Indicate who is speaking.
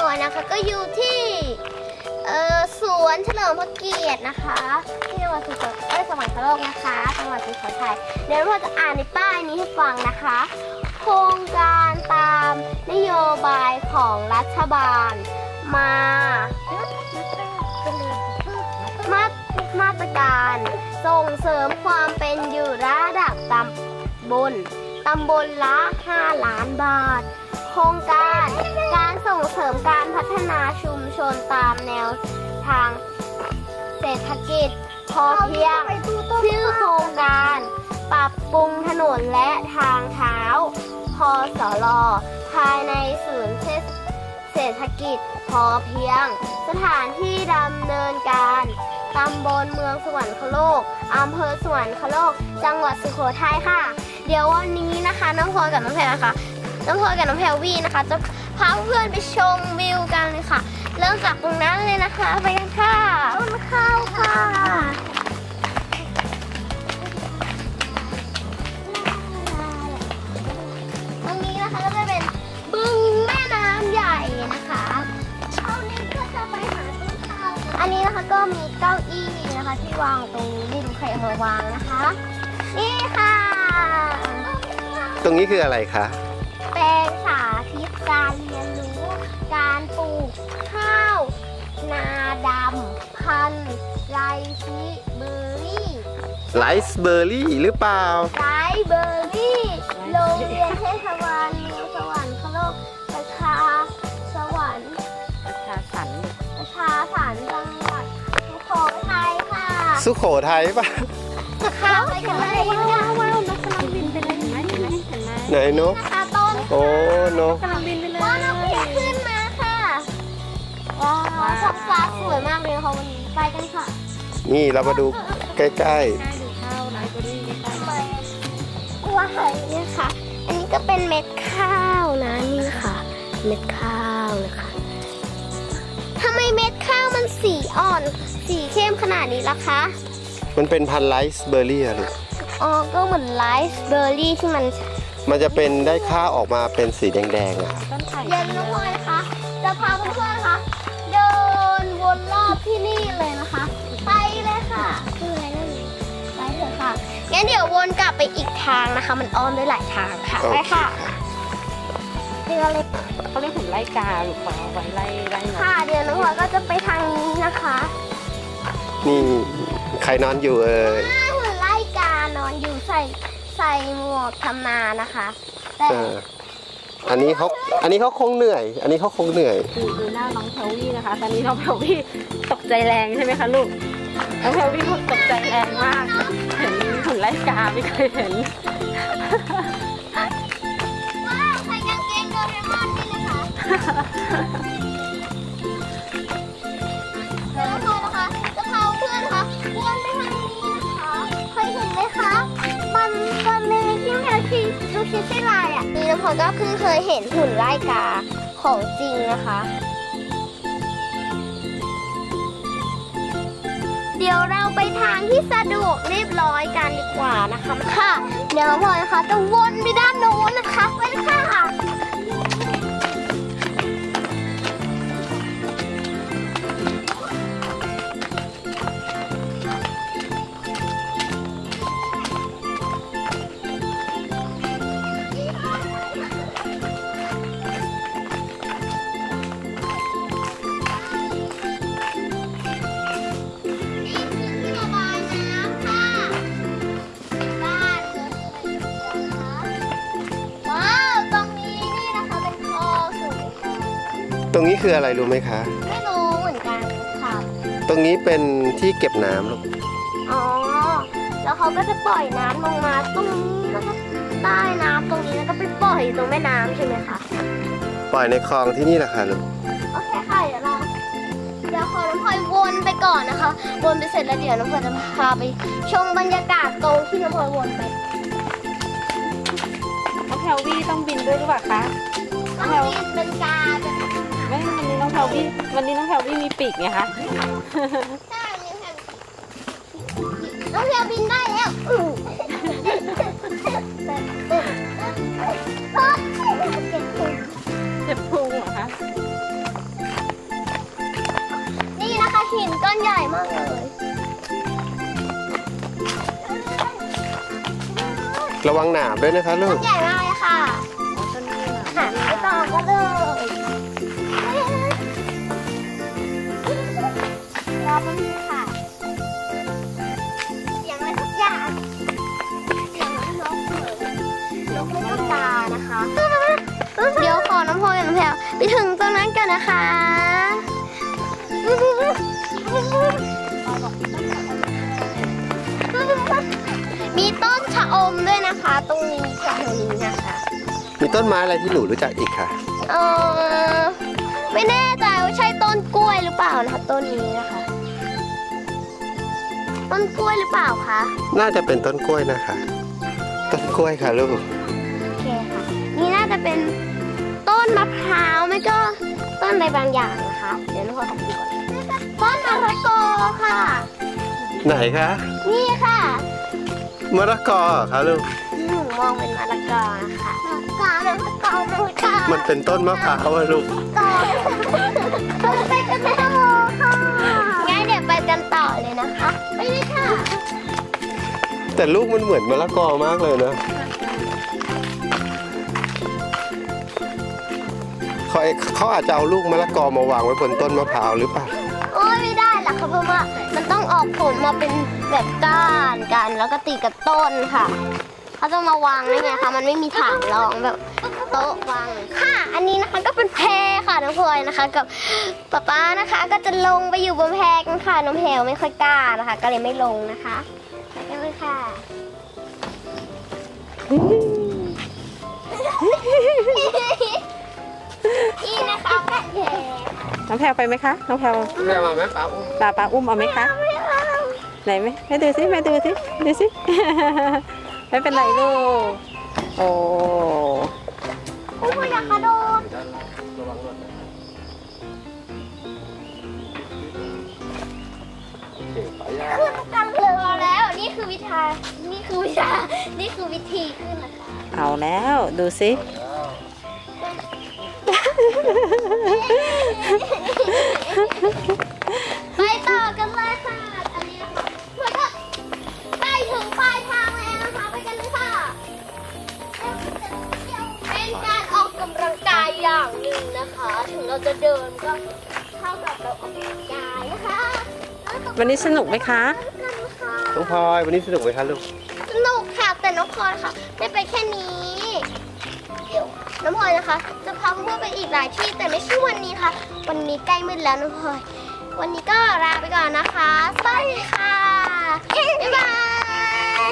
Speaker 1: อยนะคะก็อยู่ที่สวนเฉลิมพระเกียรตินะคะที่จังหวัดสวรรคโลกนะคะจังหวัดสุโขทัยเดี๋ยวเราจะอ่านในป้ายนี้ให้ฟังนะคะโครงการตามนโยบายของรัฐบาลมาตรการส่งเสริมความเป็นอยู่ระดับตำบลละ5 ล้านบาทโครงการส่งเสริมการพัฒนาชุมชนตามแนวทางเศรษฐกิจพอเพียงชื่อโครงการปรับปรุงถนนและทางเท้าพสล.ภายในศูนย์เศรษฐกิจพอเพียงสถานที่ดำเนินการตำบลเมืองสวรรคโลกอำเภอสวรรคโลกจังหวัดสุโขทัยค่ะเดี๋ยววันนี้นะคะน้องพลอยกับน้องแพรนะคะน้องพลอยกับน้องแพรวี่นะคะจะพาเพื่อนไปชมวิวกันเลยค่ะเริ่มจากตรงนั้นเลยนะคะไปกันค่ะต้นข้าวค่ะตรงนี้นะคะก็จะเป็นบึงแม่น้ำใหญ่นะคะช่วงนี้ก็จะไปหาต้นข้าวอันนี้นะคะก็มีเก้าอี้นะคะที่วางตรงนี้ไม่รู้ใครเอามาวางนะคะนี่ค่ะ
Speaker 2: ตรงนี้คืออะไรคะ
Speaker 1: แปลงสาธิตการเรียนรู้การปลูกข้าวนาดำพันธุ์ไรซ์เบอร์รี่
Speaker 2: หรือเปล่า
Speaker 1: ไรซ์เบอร์รี่โรงเรียนเทศบาลเมืองสวรรคโลกประชาสันจังหวัดสุโขทัยค่ะ
Speaker 2: สุโขทัยป่ะ
Speaker 1: ข้าวไปกันเลย
Speaker 3: ว้าวนกกำลังบินไปเลยเห็นไหม
Speaker 2: ไหนนกโอ้นก
Speaker 3: กำลังบินไปเลย
Speaker 1: ว้าวนกขึ้นมาค่ะว้าวท้องฟ้าสวยมากเลยค่ะวันนี้ไปกันค่ะ
Speaker 2: นี่เรามาดูใกล้ๆ
Speaker 3: ดูข้าวไรซ์เบอร์รี่ใกล้ๆ
Speaker 1: ว้าวเนี่ยค่ะอันนี้ก็เป็นเม็ดข้าวนะนี่ค่ะเม็ดข้าวนะคะทำไมเม็ดข้าวมันสีอ่อนสีเข้มขนาดนี้ล่ะคะ
Speaker 2: มันเป็นพันธุ์ไรซ์เบอร์รี่อะลูก
Speaker 1: อ๋อก็เหมือนไรซ์เบอร์รี่ที่
Speaker 2: มันจะเป็นได้ข้าวออกมาเป็นสีแดงๆอะ
Speaker 1: เย็นน้องพลอยนะคะจะพาเพื่อนๆนะคะเดินวนรอบที่นี่เลยนะคะไปเลยค่ะคืออะไรนั่นไปเถอะค่ะงั้นเดี๋ยววนกลับไปอีกทางนะคะมันอ้อมได้หลายทางค่ะไปค่ะเดี๋ยวเลย
Speaker 3: เขาเรียกหุ่นไล่กาหรือเปล่าไว้ไล่
Speaker 1: ค่ะเดี๋ยวน้องพลอยก็จะไปทางนี้นะคะ
Speaker 2: นี่ใครนอนอยู่
Speaker 1: หุ่นไล่กานอนอยู่ใส่หมวกทำนานะคะแต่
Speaker 2: อันนี้เขาคงเหนื่อย
Speaker 3: ดูหน้าน้องแพรวี่นะคะตอนนี้น้องแพรวี่ตกใจแรงใช่ไหมคะลูกน้องแพรวี่ตกใจแรงมากเห็นหุ่นไล่กาไม่เคยเห็น
Speaker 1: ว้าวใส่กางเกงโดเรมอนนี่นะคะเดี๋ยวเรานะคะจะพาเพื่อนนะคะวนไปทางนี้นะคะเคยเห็นไหมคะมันเลยที่แพรที่ดูคิดใช่ลายอ่ะนี่น้องพลอยก็เพิ่งเคยเห็นหุ่นไล่กาของจริงนะคะเดี๋ยวเราไปทางที่สะดวกเรียบร้อยกันดีกว่านะคะค่ะเดี๋ยวน้องพลอยนะคะจะวนไปด้านโน้นนะคะไปค่ะ
Speaker 2: ตรงนี้คืออะไรรู้ไหมคะ
Speaker 1: ไม่รู้เหมือนกันค่ะ
Speaker 2: ตรงนี้เป็นที่เก็บน้ำลูก
Speaker 1: อ๋อแล้วเขาก็จะปล่อยน้ำลงมาตรงนี้แล้วก็ใต้น้ำตรงนี้แล้วก็ไปปล่อยตรงแม่น้ำใช่ไหมคะ
Speaker 2: ปล่อยในคลองที่นี่แหละค่ะลูก
Speaker 1: โอเคค่ะเดี๋ยวขอน้องพลอยวนไปก่อนนะคะวนไปเสร็จแล้วเดี๋ยวน้องพลอยจะพาไปชมบรรยากาศตรงที่น้องพลอยวนไป
Speaker 3: น้องแพรวี่ต้องบินด้วยหรือเปล่าคะ
Speaker 1: ต้องบินเป็นกาจะ
Speaker 3: ไม่วันนี้น้องแพรวี่มีปีกไงคะ
Speaker 1: ใช่น้องแพรบินได้แล้ว
Speaker 3: เจ็บพุงเหรอคะ
Speaker 2: ระวังหนามด้วยนะคะลู
Speaker 1: ต้
Speaker 2: ก
Speaker 1: นใหญ่มากเลยค่ะ
Speaker 3: ต้นนี้เหรอ
Speaker 1: หันไปต่อกันเลยรอแป๊บนึงค่ะเสียงอะไรสักอย่างเสียงนกเหมือนนกไม่ต้องตานะคะ เดี๋ยวขอน้ำพออย่างแถวไปถึงตรงนั้นกันนะคะ มีต้นชะอมด้วยนะคะ ตรงนี้แถวนี้นะคะ
Speaker 2: มีต้นไม้อะไรที่หนูรู้จักอีกคะ
Speaker 1: เออไม่แน่ใจว่าใช่ต้นกล้วยหรือเปล่านะคะต้นนี้นะคะ ต้นกล้วยหรือเปล่าคะ
Speaker 2: น่าจะเป็นต้นกล้วยนะคะ ต้นกล้วยค่ะลูก
Speaker 1: โอเคค่ะ นี่น่าจะเป็นต้นมะพร้าวไม่ก็ต้นอะไรบางอย่างนะคะ เดี๋ยวน้องพลอยขอดูก่อนต้นมะละกอค่ะ
Speaker 2: ไหนคะ
Speaker 1: นี่ค่ะ
Speaker 2: มะละกอเหรอคะลูก
Speaker 1: หนูมองเป็นมะละกอนะคะมะละกอมะละกอมะละกอ
Speaker 2: มันเป็นต้นมะพร้าวอะลูก
Speaker 1: ต่อไปกันต่อค่ะงั้นเดี๋ยวไปกันต่อเลยนะคะ ไปเลยค่ะ
Speaker 2: แต่ลูกมันเหมือนมะละกอมากเลยนะเขาอาจจะเอาลูกมะละกอมาวางไว้บนต้นมะพร้าวหรือเปล่า
Speaker 1: โอ้ยไม่ได้หรอกค่ะเพราะว่ามันต้องออกผลมาเป็นแบบก้านกันแล้วก็ตีกับต้นค่ะ เขาจะมาวางได้ไงคะมันไม่มีถางรองแบบโต๊ะวางค่ะ อันนี้นะคะก็เป็นแพค่ะน้องพลอยนะคะ กับป๊านะคะ ก็จะลงไปอยู่บนแพกันค่ะน้องแพลไม่ค่อยกล้านะคะ ก็เลยไม่ลงนะคะไปกันเลยค่ะนี่นะคะแพ
Speaker 3: น้องแพรไปไหมคะ น้องแพร
Speaker 2: แม่มาไหมป้า
Speaker 3: ปลาอุ้มเอาไหมคะ
Speaker 1: ไม่เอา
Speaker 3: ไหนไหมให้ดูสิแม่ดูสิดูสิ ไม่เป็นไรลูก โอ้
Speaker 1: โอ้ยอยากกระโดด
Speaker 2: ระวังรถนะโอเคไปย่า
Speaker 1: ขึ้นกันเรือแล้ว นี่คือวิธีขึ้นนะคะ
Speaker 3: เอาแล้วดูสิ
Speaker 1: ไปต่อกันเลยค่ะ อันนี้นะคะแล้วก็ใกล้ถึงปลายทางแล้วนะคะ ไปกันเลยค่ะ เป็นการออกกำลังกายอย่างหนึ่งนะคะ ถึงเราจะเดินก็เท่ากับเราออกกำลังกายนะคะ
Speaker 3: วันนี้สนุกไหมคะ
Speaker 2: น้องพลอยวันนี้สนุกไหมคะลูก
Speaker 1: สนุกค่ะแต่น้องพลอยค่ะได้ไปแค่นี้ เดี๋ยวน้องพลอยนะคะ จะพาเพื่อนๆไปอีกหลายที่แต่ไม่ใช่วันนี้ค่ะ วันนี้ใกล้มืดแล้วน้องพลอย วันนี้ก็ลาไปก่อนนะคะสวัสดีค่ะบ๊ายบาย